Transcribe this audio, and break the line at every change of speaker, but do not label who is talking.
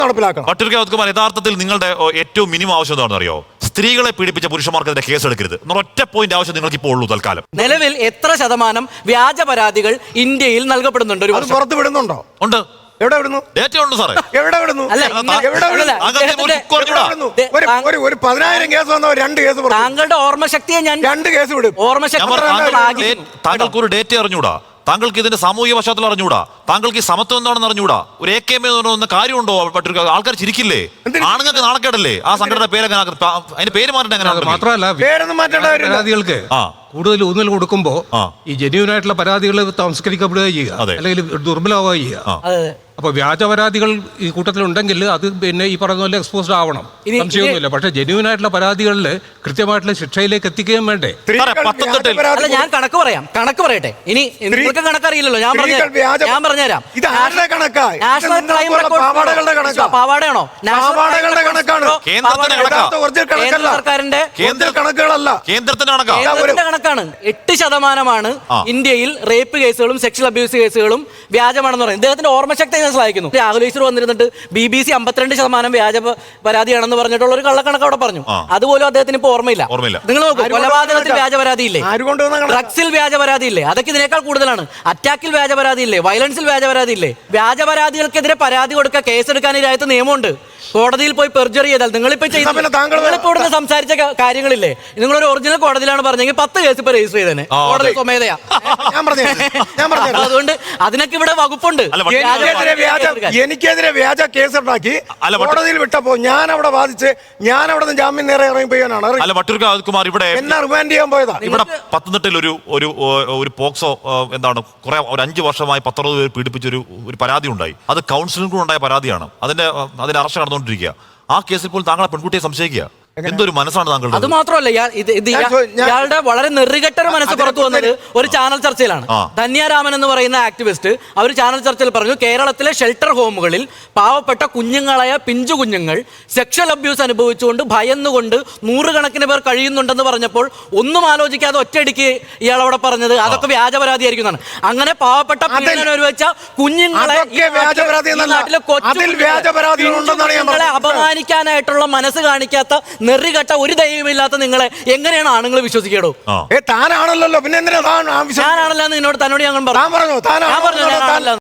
നടപ്പിലാക്കണം.
പട്ടികവർഗമാർ യഥാർത്ഥത്തിൽ നിങ്ങളുടെ ഏറ്റവും മിനിമം ആവശ്യം എന്താണെന്ന് അറിയോ? സ്ത്രീകളെ പീഡിപ്പിച്ച പുരുഷന്മാർക്കെതിരെ കേസെടുക്കരുത് ഒറ്റ പോയിന്റ് ആവശ്യം നിങ്ങൾക്ക് ഇപ്പോൾ ഉള്ളൂ തൽക്കാലം.
നിലവിൽ എത്ര ശതമാനം വ്യാജ പരാതികൾ ഇന്ത്യയിൽ നൽകപ്പെടുന്നുണ്ട്? ഒരു
പുറത്ത് വിടുന്നുണ്ടോ?
ഉണ്ട്.
എവിടെ വിടുന്നു?
ഡേറ്റ ഉണ്ട് സാറേ.
എവിടെ വിടുന്നു? ഒരു 10,000 കേസ് വന്നവർ 2 കേസ്.
താങ്കളുടെ ഓർമ്മശക്തിയെ ഞാൻ
2 കേസ് വിടും.
താങ്കൾക്ക് ഒരു ഡേറ്റ അറിഞ്ഞൂടാ? താങ്കൾക്ക് ഇതിന്റെ സാമൂഹിക പശ്ചാത്തലം അറിഞ്ഞൂടാ? താങ്കൾക്ക് ഈ സമത്വം എന്താണെന്ന് അറിഞ്ഞൂടാ? ഒരു AKM എന്ന കാര്യമുണ്ടോ? ആൾക്കാർ ചിരിക്കില്ലേ? ആണുങ്ങൾക്ക് നാണക്കേടല്ലേ? ആ സംഘടന പേരെങ്ങനെ അതിന്റെ പേര് മാറ്റേണ്ട എങ്ങനെ?
മാത്രമല്ല പരാതികൾക്ക് കൂടുതൽ ഊന്നൽ കൊടുക്കുമ്പോ ഈ ജെന്യൂൻ ആയിട്ടുള്ള പരാതികൾ സംസ്കരിക്കപ്പെടുക ചെയ്യുക, അല്ലെങ്കിൽ ദുർബലമാവുക ചെയ്യുക. അപ്പൊ വ്യാജ പരാതികൾ ഈ കൂട്ടത്തിലുണ്ടെങ്കിൽ അത് പിന്നെ ഈ പറഞ്ഞ പോലെ എക്സ്പോസ്ഡ് ആവണം, സംശയമൊന്നുമില്ല. പക്ഷെ ജെന്യൂൻ ആയിട്ടുള്ള പരാതികളിൽ കൃത്യമായിട്ടുള്ള ശിക്ഷയിലേക്ക് എത്തിക്കുകയും വേണ്ടേ?
ഞാൻ കണക്ക് പറയട്ടെ. ഇനി നിങ്ങൾക്ക് കണക്കറിയില്ലല്ലോ, ഞാൻ പറഞ്ഞുതരാം. പാവാടയാണോ? സർക്കാരിന്റെ കണക്കാണ്. 8% ഇന്ത്യയിൽ റേപ്പ് കേസുകളും സെക്ഷൽ അബ്യൂസ് കേസുകളും വ്യാജമാണെന്ന് പറയുന്നത്. ഇദ്ദേഹത്തിന്റെ ഓർമ്മശക്തി സഹായിക്കുന്നു. രാഹുൽ ഈശ്വർ വന്നിരുന്നിട്ട് BBC 52% വ്യാജ പരാതിയാണെന്ന് പറഞ്ഞിട്ടുള്ള ഒരു കള്ളക്കണക്ക് അവിടെ പറഞ്ഞു. അതുപോലും അദ്ദേഹത്തിന് ഇപ്പൊ ഓർമ്മയില്ല. നിങ്ങൾ നോക്കൂ, കൊലപാതകത്തിൽ വ്യാജ പരാതി ഇല്ലേ? ഡ്രഗ്സിൽ വ്യാജ പരാതി ഇല്ലേ? അതൊക്കെ ഇതിനേക്കാൾ കൂടുതലാണ്. അറ്റാക്കിൽ വ്യാജ പരാതി ഇല്ലേ? വയലൻസിൽ വ്യാജ പരാതി ഇല്ലേ? വ്യാജ പരാതികൾക്കെതിരെ പരാതി കൊടുക്കുക, കേസെടുക്കാൻ ഈ രാജ്യത്ത് നിയമമുണ്ട്. കോടതിയിൽ പോയി പെർജറി ചെയ്താൽ നിങ്ങളിപ്പോ ഇവിടുന്ന് സംസാരിച്ച കാര്യങ്ങളില്ലേ, നിങ്ങളൊരു ഒറിജിനൽ കോടതിയിലാണ് പറഞ്ഞെങ്കിൽ 10 കേസ് ഇപ്പൊ രജിസ്റ്റർ ചെയ്തേനെ. കോടതി സ്വമേധയാ. അതുകൊണ്ട് അതിനൊക്കെ ഇവിടെ വകുപ്പുണ്ട്.
എനിക്കെതിരെ വ്യാജ കേസ് ഉണ്ടാക്കി കോടതിയിൽ വിട്ടപ്പോ ഞാൻ അവിടെ വാദിച്ച് ഞാൻ അവിടെ നിന്ന് ജാമ്യം നേരെ ഇറങ്ങി പോയാനാണ്.
ഇവിടെ
എന്നെ റിമാൻഡ് ചെയ്യാൻ പോയതാ.
ഇവിടെ പത്തനംതിട്ടയിൽ ഒരു പോക്സോ എന്താണ് കുറെ ഒരു 5 വർഷമായി 19 പേർ പീഡിപ്പിച്ചൊരു പരാതി ഉണ്ടായി. അത് കൗൺസിലിംഗ് ഉണ്ടായ പരാതിയാണ്. അതിന്റെ അറസ്റ്റ് നടന്നുകൊണ്ടിരിക്കുക. ആ കേസിൽ പോലും താങ്കളെ പെൺകുട്ടിയെ സംശയിക്കുക. എന്തൊരു മനസ്സാണ് താങ്കളുടെ?
അത് മാത്രമല്ല, ഇയാളുടെ വളരെ നെറുകെട്ടൊരു മനസ്സ് പുറത്തു വന്നത് ഒരു ചാനൽ ചർച്ചയിലാണ്. ധന്യാരാമൻ എന്ന് പറയുന്ന ആക്ടിവിസ്റ്റ് അവർ ചാനൽ ചർച്ചയിൽ പറഞ്ഞു, കേരളത്തിലെ ഷെൽട്ടർ ഹോമുകളിൽ പാവപ്പെട്ട കുഞ്ഞുങ്ങളായ പിഞ്ചു കുഞ്ഞുങ്ങൾ സെക്ഷൽ അബ്യൂസ് അനുഭവിച്ചുകൊണ്ട് ഭയന്നുകൊണ്ട് 100 കണക്കിന് പേർ കഴിയുന്നുണ്ടെന്ന് പറഞ്ഞപ്പോൾ ഒന്നും ആലോചിക്കാതെ ഒറ്റയടിക്ക് ഇയാൾ അവിടെ പറഞ്ഞത് അതൊക്കെ വ്യാജ പരാതി ആയിരിക്കും എന്നാണ്. അങ്ങനെ പാവപ്പെട്ട അനുഭവിച്ച കുഞ്ഞുങ്ങളെ അപമാനിക്കാനായിട്ടുള്ള മനസ്സ് കാണിക്കാത്ത നെറികെട്ട ഒരു ദൈവമില്ലാത്ത നിങ്ങളെ എങ്ങനെയാണ് ആണുങ്ങൾ വിശ്വസിക്കേടോ?
താനാണല്ലോ, പിന്നെ
ഞാനാണല്ലോ എന്നോട് തന്നോട് ഞാൻ പറഞ്ഞു.